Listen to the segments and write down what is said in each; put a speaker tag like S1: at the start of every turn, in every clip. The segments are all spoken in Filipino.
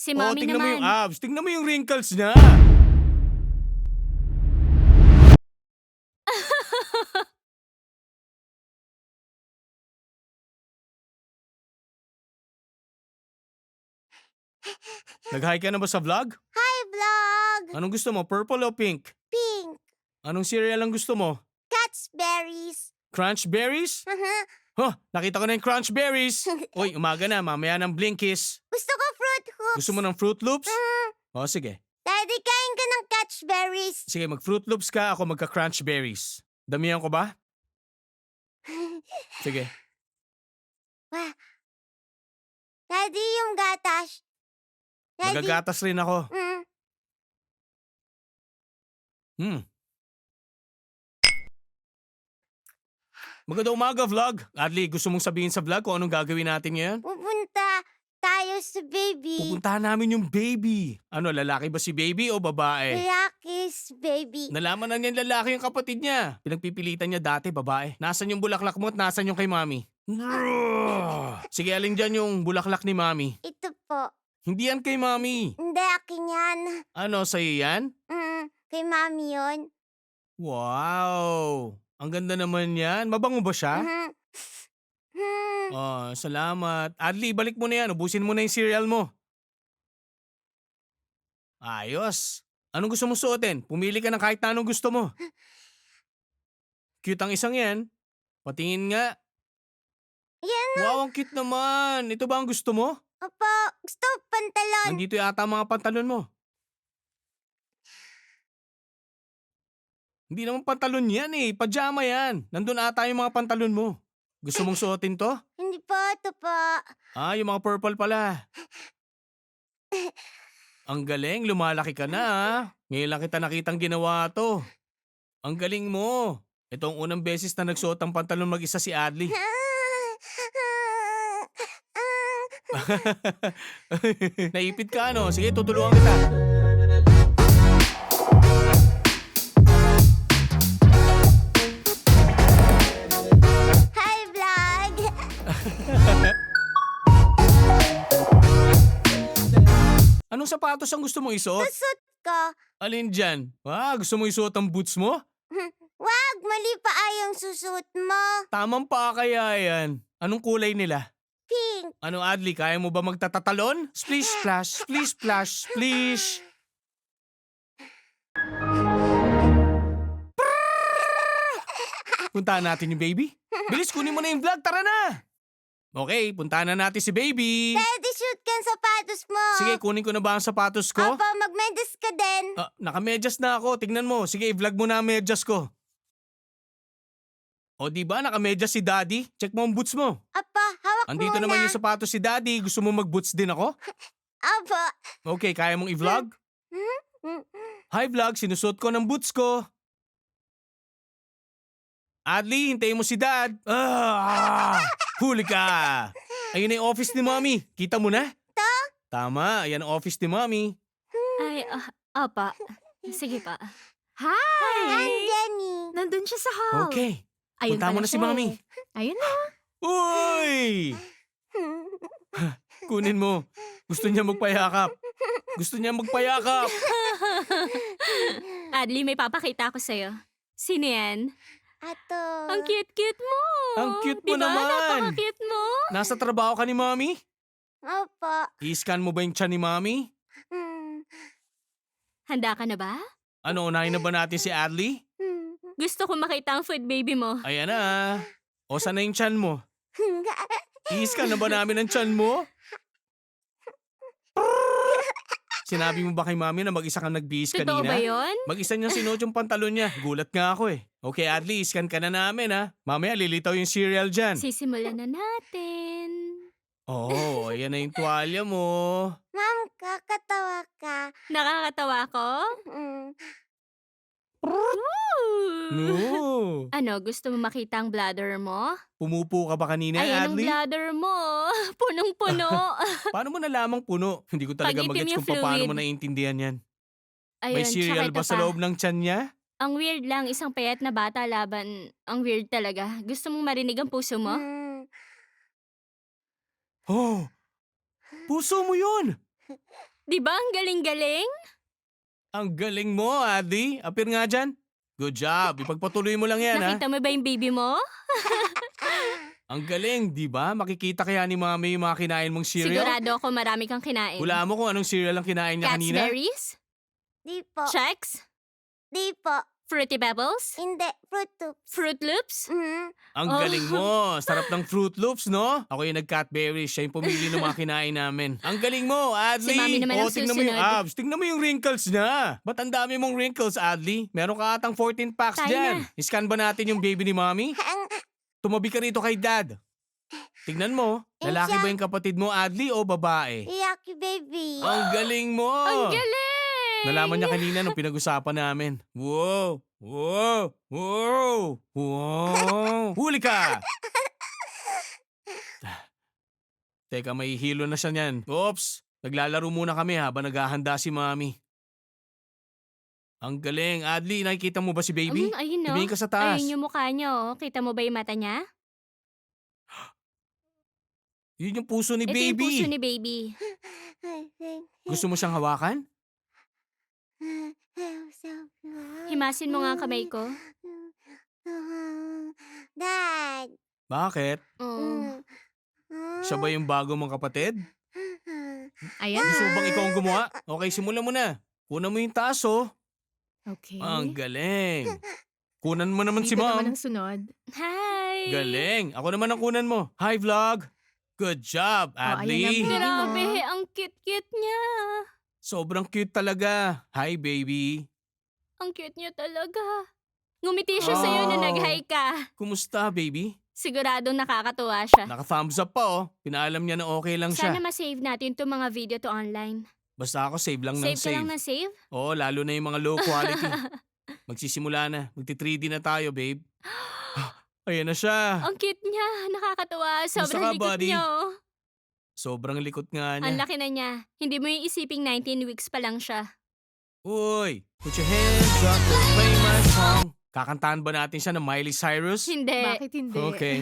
S1: Si
S2: Oh,
S1: mommy
S2: tingnan mo yung
S1: naman.
S2: abs. Tingnan mo yung wrinkles niya. Nag-hi ka na ba sa vlog?
S3: Hi, vlog!
S2: Anong gusto mo? Purple o pink?
S3: Pink.
S2: Anong cereal ang gusto mo?
S3: Cat's berries.
S2: Crunch berries? Huh, nakita ko na yung crunch berries. Uy, umaga na. Mamaya ng Blinkies.
S3: Gusto ko fruit hoops.
S2: Gusto mo ng Fruit Loops?
S3: Mhm.
S2: O, sige.
S3: Daddy, kain ka ng catch berries.
S2: Sige, mag-Fruit Loops ka. Ako magka-crunch berries. Damihan ko ba? Sige.
S3: Wah. Daddy, yung gatas. Daddy.
S2: Magagatas rin ako. Hmm. Magandang umaga, vlog. Adli, gusto mong sabihin sa vlog kung anong gagawin natin ngayon?
S3: Pupunta tayo sa baby.
S2: Pupuntahan namin yung baby. Ano, lalaki ba si baby o babae?
S3: Rocky's baby.
S2: Nalaman na niyan lalaki yung kapatid niya. Pinagpipilitan niya dati, babae. Nasaan yung bulaklak mo at nasaan yung kay mami? Sige, alin dyan yung bulaklak ni mami?
S3: Ito po.
S2: Hindi yan kay mami.
S3: Hindi, akin yan.
S2: Ano, sa'yo yan?
S3: Kay mami yun.
S2: Wow! Ang ganda naman yan. Mabango ba siya?
S3: Mhm.
S2: Oh, salamat. Adli, balik mo na yan. Ubusin mo na yung cereal mo. Ayos. Anong gusto mo suotin? Pumili ka ng kahit na anong gusto mo. Cute ang isang yan. Patingin nga.
S3: Yan.
S2: Wow, ang cute naman. Ito ba ang gusto mo?
S3: Opo, gusto ko pantalon.
S2: Nandito yata ang mga pantalon mo. Hindi naman pantalon yan eh. Pajama yan. Nandun ata yung mga pantalon mo. Gusto mong suotin to?
S3: Hindi po, ito po.
S2: Ah, yung mga purple pala. Ang galing, lumalaki ka na ah. Ngayon lang kita nakitang ginawa to. Ang galing mo. Ito ang unang beses na nagsuot ng pantalon mag-isa si Adli. Naipit ka ano? Sige, tutulungan kita.
S3: Hi, vlog!
S2: Anong sapatos ang gusto mong isuot?
S3: Susot ko.
S2: Alin dyan? Ah, gusto mo isuot ang boots mo?
S3: Wag, mali pa yung susot mo.
S2: Tamang pa kaya yan. Anong kulay nila?
S3: Pink.
S2: Ano Adli, kaya mo ba magtatatalon? Splish splash, splish splash, splish. Puntahan natin yung baby. Bilis, kunin mo na yung vlog, tara na! Okay, puntahan na natin si baby.
S3: Daddy, shoot ka ang sapatos mo.
S2: Sige, kunin ko na ba ang sapatos ko?
S3: Opo, magmedyas ka din.
S2: Ah, nakamedyas na ako, tignan mo. Sige, i-vlog mo na ang medyas ko. O di ba nakamedyas si daddy? Check mo ang boots mo.
S3: Opo, hawak
S2: Andito
S3: muna.
S2: naman yung sapatos si daddy. Gusto mo mag-boots din ako?
S3: Opo.
S2: Okay, kaya mong i-vlog? Hi vlog, sinusot ko ng boots ko. Adli, hintayin mo si dad. Huli ka. Ayun na yung office ni mommy. Kita mo na? Tama, ayan ang office ni mommy.
S1: Ay, apa. Sige pa. Hi!
S3: Hi, Jenny.
S1: Nandun siya sa hall.
S2: Okay,
S1: Ayun
S2: punta mo
S1: pala
S2: na si
S1: siya
S2: mommy.
S1: eh. Ayun na.
S2: Uy! Kunin mo. Gusto niya magpayakap. Gusto niya magpayakap.
S1: Adli, may papakita ako sa'yo. Sino yan?
S3: Ato.
S1: Ang cute-cute mo.
S2: Ang cute mo
S1: Diba?
S2: naman.
S1: Napaka-cute mo.
S2: Nasa trabaho ka ni mommy?
S3: Opo.
S2: I-scan mo ba yung tiyan ni mommy?
S1: Handa ka na ba?
S2: Ano, unahin na ba natin si Adli?
S1: Gusto ko makita ang food baby mo.
S2: Ayan na. O, saan na yung tiyan mo? I-scan na ba namin ang tiyan mo? Sinabi mo ba kay mami na mag-isa kang nagbihis
S1: Totoo
S2: kanina?
S1: ba yun?
S2: Mag-isa niya sinuot yung pantalon niya. Gulat nga ako eh. Okay, Adli, scan ka na namin ha. Mamaya lilitaw yung cereal dyan.
S1: Sisimulan na natin.
S2: Oo, ayan na yung tuwalya mo.
S3: Ma'am, kakatawa ka.
S1: Nakakatawa ko?
S3: Mm.
S1: Ooh.
S2: No.
S1: Ano, gusto mo makita ang bladder mo?
S2: Pumupo ka ba kanina,
S1: Ayan ang
S2: Adli?
S1: bladder mo. Punong-puno.
S2: Paano mo nalamang puno? Hindi ko talaga
S1: Pag-itim
S2: magets
S1: yung
S2: kung paano mo
S1: fluid.
S2: naiintindihan yan.
S1: Ayun,
S2: May cereal
S1: tsaka
S2: ba
S1: ito
S2: sa
S1: pa.
S2: loob ng tiyan niya?
S1: Ang weird lang, isang payat na bata laban. Ang weird talaga. Gusto mong marinig ang puso mo?
S3: Mm.
S2: Oh, puso mo yun!
S1: Di ba ang galing-galing?
S2: Ang galing mo, Adli. Appear nga dyan. Good job. Ipagpatuloy mo lang yan, ha?
S1: Nakita mo ba yung baby mo?
S2: Ang galing, di ba? Makikita kaya ni Mami yung mga kinain mong cereal?
S1: Sigurado ako marami kang kinain.
S2: Wala mo kung anong cereal ang kinain niya kanina?
S1: Catsberries?
S3: Di po.
S1: Chex?
S3: Di po.
S1: Fruity Pebbles?
S3: Hindi. Fruit Loops.
S1: Fruit Loops?
S2: Ang
S1: Oh.
S2: galing mo. Sarap ng Fruit Loops, no? Ako yung nag-Cadbury. Siya yung pumili ng mga kinain namin. Ang galing mo, Adli.
S1: Si Mami naman ang
S2: tingnan mo yung
S1: susunod.
S2: abs. Tingnan mo yung wrinkles niya. Ba't ang dami mong wrinkles, Adli? Meron ka atang 14 packs
S1: Tayo
S2: dyan. Scan ba natin yung baby ni Mami? Tumabi ka rito kay Dad. Tignan mo. Lalaki ba yung kapatid mo, Adli, o babae?
S3: Yucky baby.
S2: Ang galing mo.
S1: Ang galing!
S2: Nalaman niya kanina nung pinag-usapan namin. Wow! Wow! Wow! Wow! Huli ka! Teka, may hilo na siya niyan. Oops! Naglalaro muna kami habang naghahanda si Mami. Ang galing. Adli, nakikita mo ba si baby?
S1: Ayun no.
S2: Tumingin ka sa taas.
S1: Ayun yung mukha niya oh. Kita mo ba yung mata niya?
S2: Yun yung puso ni
S1: Ito yung
S2: baby.
S1: puso ni baby.
S2: Gusto mo siyang hawakan?
S1: Himasin mo nga ang kamay ko.
S3: Dad.
S2: Bakit?
S1: Oo.
S2: Siya ba yung bago mong kapatid?
S4: Ayan.
S2: Gusto mo bang ikaw ang gumawa? Okay, simulan mo na. Kunan mo yung taas, oh.
S4: Okay.
S2: Ang galing. Kunan mo naman si
S4: Dito
S2: Mom.
S4: naman ang sunod.
S1: Hi!
S2: Galing. Ako naman ang kunan mo. Hi, vlog. Good job, Adli.
S4: ayan na,
S1: Grabe, ang cute-cute niya.
S2: Sobrang cute talaga. Hi, baby.
S1: Ang cute niya talaga. Ngumiti siya sa'yo na
S2: Oh.
S1: nag-hi ka.
S2: Kumusta, baby?
S1: Siguradong nakakatuwa siya.
S2: Naka-thumbs up pa, oh. Pinaalam niya na okay lang siya.
S1: Sana ma-save natin itong mga video to online.
S2: Basta ako save lang ng
S1: Save ka
S2: save.
S1: lang na save?
S2: Oo, lalo na yung mga low quality. Magsisimula na. Magti-3D na tayo, babe. Ayan na siya.
S1: Ang cute niya. Nakakatuwa.
S2: Kumusta
S1: Sobrang
S2: ka,
S1: likot
S2: buddy?
S1: niya. Oh.
S2: Sobrang likot nga
S1: Ang
S2: niya.
S1: laki na niya. Hindi mo yung isiping 19 weeks pa lang siya.
S2: Uy, put your hands up and play my song. Kakantahan ba natin siya ng Miley Cyrus?
S1: Hindi.
S4: Bakit hindi?
S2: Okay.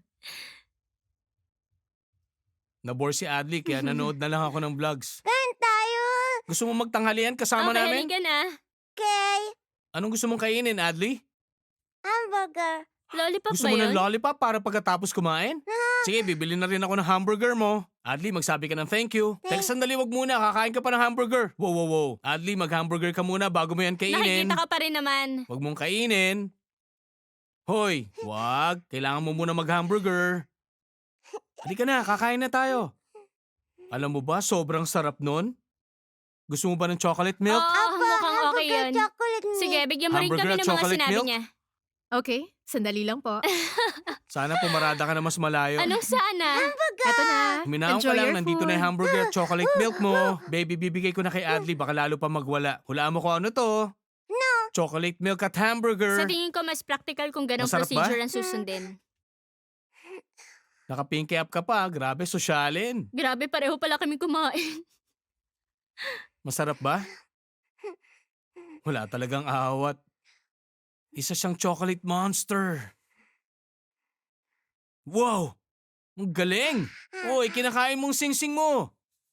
S2: Nabore si Adli kaya nanood na lang ako ng vlogs.
S3: Kain tayo.
S2: Gusto mo magtanghalian kasama
S1: Okay,
S2: namin?
S1: halika na.
S3: Okay.
S2: Anong gusto mong kainin, Adli?
S3: Hamburger.
S1: Lollipop
S2: Gusto
S1: ba
S2: mo
S1: yun?
S2: ng lollipop para pagkatapos kumain? Sige, bibili na rin ako ng hamburger mo. Adli, magsabi ka ng thank you. Teka, sandali, wag muna. Kakain ka pa ng hamburger. Wow, wow, wow. Adli, mag-hamburger ka muna bago mo yan kainin.
S1: Nakikita ka pa rin naman.
S2: Wag mong kainin. Hoy, wag. Kailangan mo muna mag-hamburger. Halika na, kakain na tayo. Alam mo ba, sobrang sarap nun? Gusto mo ba ng chocolate milk?
S1: Oo, mukhang okay
S3: Hamburger
S1: yun.
S3: chocolate milk.
S1: Sige, bigyan mo rin
S2: Hamburger
S1: kami
S2: at
S1: ng mga
S2: chocolate
S1: sinabi
S2: milk?
S1: niya.
S4: Okay, sandali lang po.
S2: Sana pumarada ka na mas malayo.
S1: Anong sana?
S4: Eto na.
S2: Huminahon ka
S4: Enjoy
S2: lang,
S4: your
S2: nandito na
S4: food.
S2: yung hamburger at chocolate milk mo. Baby, bibigay ko na kay Adli, baka lalo pa magwala. Hulaan mo kung ano to. No. Chocolate milk at hamburger.
S1: Sa tingin ko, mas practical kung ganong
S2: Masarap ba?
S1: procedure ang susundin.
S2: Naka-pinky up ka pa, grabe, sosyalin.
S1: Grabe, pareho pala kami kumain.
S2: Masarap ba? Wala talagang awat. Isa siyang chocolate monster. Wow! Ang galing! Uy, kinakain mong sing-sing mo.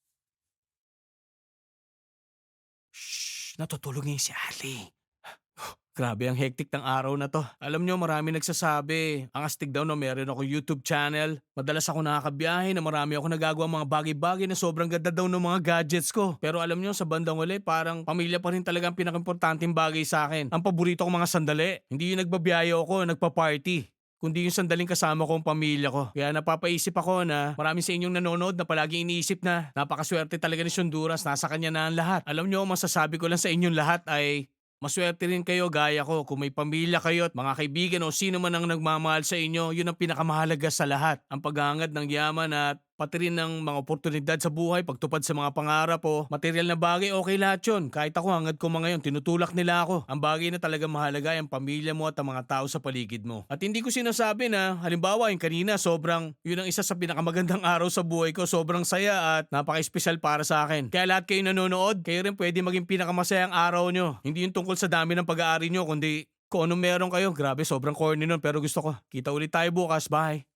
S2: Shh! Natutulog ngayon si Ali. Grabe ang hectic ng araw na to. Alam nyo, marami nagsasabi. Ang astig daw na meron ako YouTube channel. Madalas ako nakakabiyahe na marami ako nagagawa mga bagay-bagay na sobrang ganda daw ng mga gadgets ko. Pero alam nyo, sa bandang uli, parang pamilya pa rin talaga ang pinakimportanteng bagay sa akin. Ang paborito kong mga sandali. Hindi yung nagbabiyahe ako, nagpa-party. Kundi yung sandaling kasama ko ang pamilya ko. Kaya napapaisip ako na marami sa inyong nanonood na palaging iniisip na napakaswerte talaga ni Honduras, nasa kanya na ang lahat. Alam nyo, masasabi ko lang sa inyong lahat ay maswerte rin kayo gaya ko kung may pamilya kayo at mga kaibigan o sino man ang nagmamahal sa inyo, yun ang pinakamahalaga sa lahat. Ang paghahangad ng yaman at pati rin ng mga oportunidad sa buhay, pagtupad sa mga pangarap o material na bagay, okay lahat yun. Kahit ako hangad ko mga yun, tinutulak nila ako. Ang bagay na talaga mahalaga ay ang pamilya mo at ang mga tao sa paligid mo. At hindi ko sinasabi na, halimbawa yung kanina, yun ang isa sa pinakamagandang araw sa buhay ko, sobrang saya at napaka-espesyal para sa akin. Kaya lahat kayo nanonood, kayo rin pwede maging pinakamasayang araw nyo. Hindi yung tungkol sa dami ng pag-aari nyo, kundi kung anong meron kayo. Grabe, sobrang corny nun pero gusto ko. Kita ulit tayo bukas, bye!